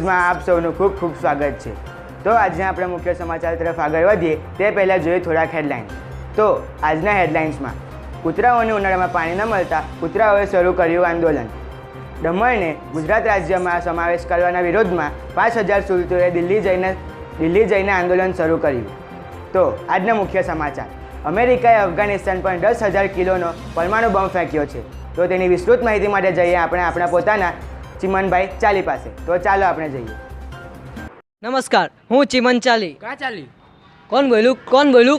ન્યૂઝમાં આપ સૌનું ખૂબ ખૂબ સ્વાગત છે। તો આજના આપણે મુખ્ય સમાચાર તરફ આગળ વધીએ તે પહેલાં જોઈએ થોડાક હેડલાઇન્સ। તો આજના હેડલાઇન્સમાં કૂતરાઓને ઉનાળામાં પાણી ન મળતા કૂતરાઓએ શરૂ કર્યું આંદોલન। દમણને ગુજરાત રાજ્યમાં સમાવેશ કરવાના વિરોધમાં 5000 સુરતીઓએ દિલ્હી જઈને આંદોલન શરૂ કર્યું। તો આજના મુખ્ય સમાચાર, અમેરિકાએ અફઘાનિસ્તાન પર 10,000 કિલોનો પરમાણુ બોમ્બ ફેંક્યો છે। તો તેની વિસ્તૃત માહિતી માટે જઈએ આપણે આપણા પોતાના ચિમનભાઈ ચાલી પાસે। તો ચાલો આપણે જઈએ। નમસ્કાર, હું ચિમન ચાલી। ક્યાં ચાલી? કોણ બોલું?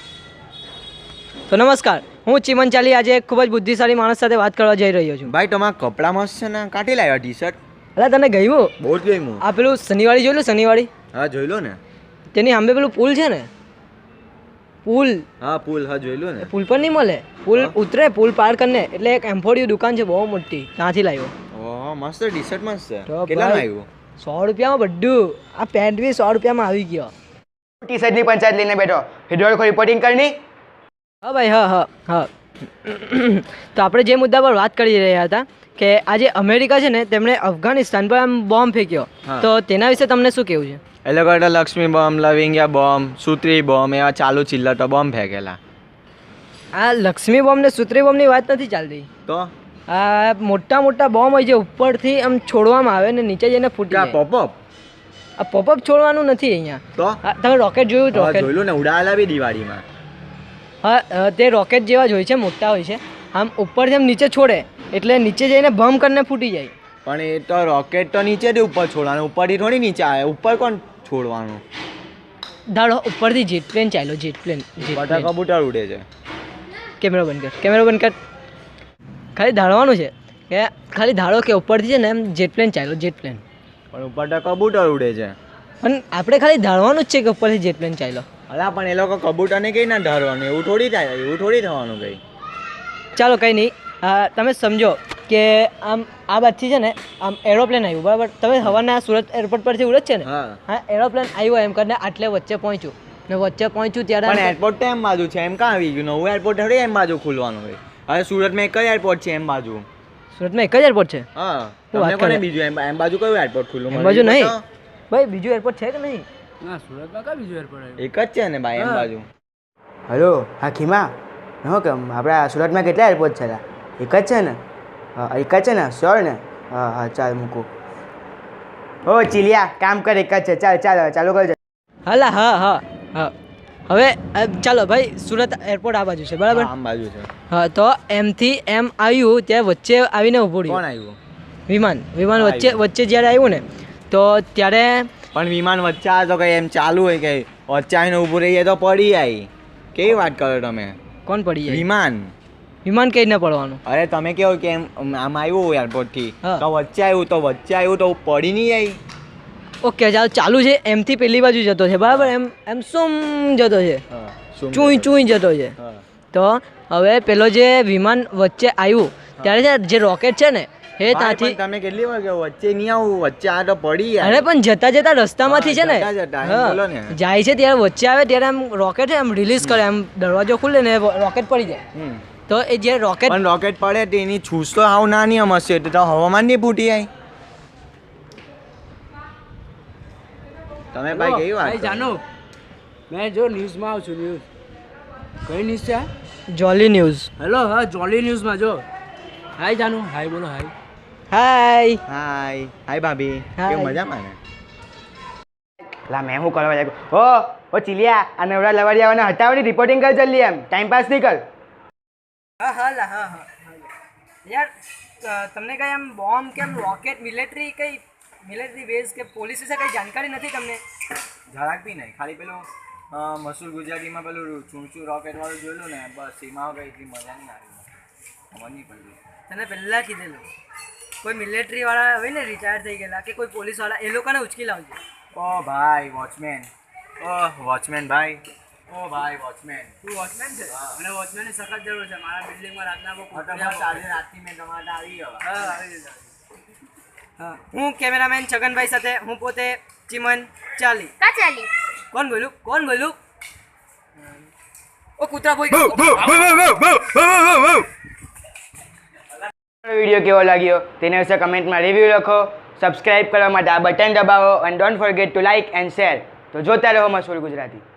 તો નમસ્કાર, હું ચિમન ચાલી આજે એક ખૂબ જ બુદ્ધિશાળી માણસ સાથે વાત કરવા જઈ રહ્યો છું। ભાઈ તમારા કપડા મસ્ત છે ને, કાઢી લાવ્યા ટી-શર્ટ? અલા તને ગયું? બહુ જ ગયું। આ પેલું શનિવારી જોઈ લો, શનિવારી? હા જોઈ લો ને। તેની સામે પેલું પુલ છે ને, પુલ, હા પુલ, હા જોઈ લો ને। પુલ પર નહીં મળે, પુલ ઉતરે, પુલ પાર કરીને એટલે એક એમ્ફોડિયું દુકાન છે બહુ મોટી, ત્યાંથી લાવ્યો। ઓહ મસ્ત ટી-શર્ટ મસ્ત છે। તો કેટલાનું ભાઈ, આવ્યું? 100 રૂપિયામાં બધું। આ પેન્ટ બી 100 રૂપિયામાં આવી ગયો। ટી શર્ટની પંચાયત લઈને બેઠો, હિડોળખો રિપોર્ટિંગ કરની। હા ભાઈ, હા તો આપણે જે મુદ્દા પર વાત કરી રહ્યા હતા કે આજે અમેરિકા છે ને તેમણે અફઘાનિસ્તાન પર આમ બોમ્બ ફેંક્યો, તો તેના વિશે તમને શું કહેવું છે? એ લોકો લક્ષ્મી બોમ્બ, લવિંગિયા બોમ્બ, સૂત્રી બોમ્બ એવા ચાલુ ચિલ્લટો બોમ્બ ફેંકેલા। આ લક્ષ્મી બોમ્બ ને સૂત્રી બોમ્બની વાત નથી ચાલતી। તો આ મોટા મોટા બોમ્બ હોય જે ઉપરથી આમ છોડવામાં આવે ને નીચે જઈને ફૂટી જાય। પોપઅપ? આ પોપઅપ છોડવાનું નથી અહીંયા। તો તમે રોકેટ જોયું? રોકેટ જોયું ને, ઉડાવેલા બી દિવાળીમાં। હા, તે રોકેટ જેવા જ હોય છે, મોટા હોય છે, આમ ઉપરથી આમ નીચે છોડે એટલે નીચે જઈને બમ કરીને ફૂટી જાય। પણ એ તો રોકેટ તો નીચેથી ઉપર છોડવાનું, ઉપરથી થોડી નીચે આવે। ઉપર કોણ છોડવાનું? ધારો ઉપરથી જેટ પ્લેન ચાલ્યો, જેટ પ્લેન। બધા કબૂતર ઉડે છે। કેમેરો બંધ કર। ખાલી ધારવાનું છે કે ખાલી ધારો કે ઉપરથી છે ને એમ જેટ પ્લેન ચાલ્યો, જેટ પ્લેન। પણ ઉપર તો કબૂતર ઉડે છે। પણ આપણે ખાલી ધારવાનું જ છે કે ઉપરથી જેટ પ્લેન ચાલ્યો। અલા પણ એ લોકો કબૂતરને કઈ ના ધારવાનું, એવું થોડી થાય, એવું થોડી થવાનું કઈ। ચાલો કંઈ નહીં, તમે સમજો કે આમ આ બાજુથી છે ને આમ એરોપ્લેન આવ્યું, બરાબર? તમે હવાના સુરત એરપોર્ટ પરથી ઉડે છે ને, હા, એરોપ્લેન આવ્યું એમ કરીને આટલે વચ્ચે પહોંચ્યું ને વચ્ચે પહોંચ્યું ત્યારે પણ એરપોર્ટ તો એમ બાજુ છે, એમ કાં આવી ગયું? નવું એરપોર્ટ થોડી એમ બાજુ ખુલવાનું હોય। હવે સુરતમાં એક જ એરપોર્ટ છે એમ બાજુ। સુરતમાં એક જ એરપોર્ટ છે? હા, તમને કોને બીજું એમ બાજુ કયું એરપોર્ટ ખુલ્લું? એમ બાજુ નહીં ભાઈ, બીજું એરપોર્ટ છે કે નહીં? ના, સુરતમાં કઈ બીજું એરપોર્ટ આવ્યું? એક જ છે ને ભાઈ એમ બાજુ। હલો, હા ખીમા, ન કેમ આપણા સુરતમાં કેટલા એરપોર્ટ છે? એક જ છે ને? હા, એક જ છે ને? શ્યોર ને? હા, ચાલ મૂકું। ઓ ચીલિયા, કામ કર, એક જ છે। ચાલુ કરજો। હાલા, હા હવે ચાલો ભાઈ, સુરત એરપોર્ટ આ બાજુ છે, બરાબર? આમ બાજુ છે। હા, તો એમથી એમ આવ્યું ત્યાં વચ્ચે આવીને ઊભું કોણ રહ્યું? આવ્યું? વિમાન વચ્ચે જ્યારે આવ્યું ને તો ત્યારે પણ વિમાન વચ્ચે આવે તો કઈ એમ ચાલુ હોય કે વચ્ચે આવીને ઊભું રહીએ તો પડી જાય? કેવી વાત કરો તમે? કોણ પડી જાય? વિમાન કઈ ન પડવાનું? અરે તમે કેવો કે એમ આમ આવ્યું એરપોર્ટ થી તો વચ્ચે આવ્યું તો પડી નહીં જાય? ઓકે, ચાલુ છે, એમથી પેલી બાજુ જતો છે, બરાબર? એમ સુમ જતો છે, ચૂઈ જતો છે। તો હવે પેલો જે વિમાન વચ્ચે આવ્યું ત્યારે જે રોકેટ છે ને એ ત્યાંથી, તમે કેટલી વાર કહો વચ્ચે નહીં આવું, વચ્ચે આ તો પડી જાય। અરે પણ જતા રસ્તામાંથી છે ને જાય છે ત્યારે વચ્ચે આવે ત્યારે આમ રોકેટ એમ રિલીઝ કરે, એમ દરવાજો ખુલે ને રોકેટ પડી જાય। તો એ જે રોકેટ પડે તેની છૂસ તો હાવ નાની હશે, તો હવામાન નહીં ફૂટી જાય। તમે ભાઈ કેવી વાત જાનો, મેં જો ન્યૂઝમાં આવું છું। ન્યૂઝ કઈ ન્યૂઝ છે? જોલી ન્યૂઝ। હેલો, હા, જોલી ન્યૂઝમાં જો। હાય જાનુ, હાય બોલો। હાય ભાભી, કેવું મજામાં ને? લા મેં શું કરવા લાગ્યો? ઓ ચીલિયા, આ નવરા લવાડિયાઓને હટાવની રિપોર્ટિંગ કર જલ્દી, એમ ટાઈમ પાસ નહીં કર। હા યાર, તમને કઈ આમ બોમ્બ કે રોકેટ મિલિટરી બેઝ કે પોલીસ વિશે કઈ જાણકારી નથી તમને? જરાક બી નહીં, ખાલી પેલું મસૂર ગુજરાતીમાં પેલું ચૂંચું રોકેટ વાળું જોયેલું ને, બસ એમાં કઈ એટલી મજા નહીં આવી, ખબર નહીં પડી। તને પહેલાં કીધેલું, કોઈ મિલિટરી વાળા હોય ને રિટાયર થઈ ગયેલા કે કોઈ પોલીસ વાળા, એ લોકોને ઉચકી લાવજો। ઓ ભાઈ વોચમેન, ભાઈ, વોચમેન। તું વોચમેન છે? મને વોચમેનની સખત જરૂર છે મારા બિલ્ડિંગમાં। રાતના રાતથી મેં તમારા આવી ગયો। હા, હું કેમેરામેન છગનભાઈ સાથે, હું પોતે ચિમન ચાલી। કોણ બોલું? ઓ કૂતરા બોય। વિડીયો કેવો લાગ્યો તેના વિશે કમેન્ટમાં રિવ્યૂ લખો। સબસ્ક્રાઇબ કરવા માટે આ બટન દબાવો અને don't forget to like and share. તો જોતા રહો મશહૂર ગુજરાતી.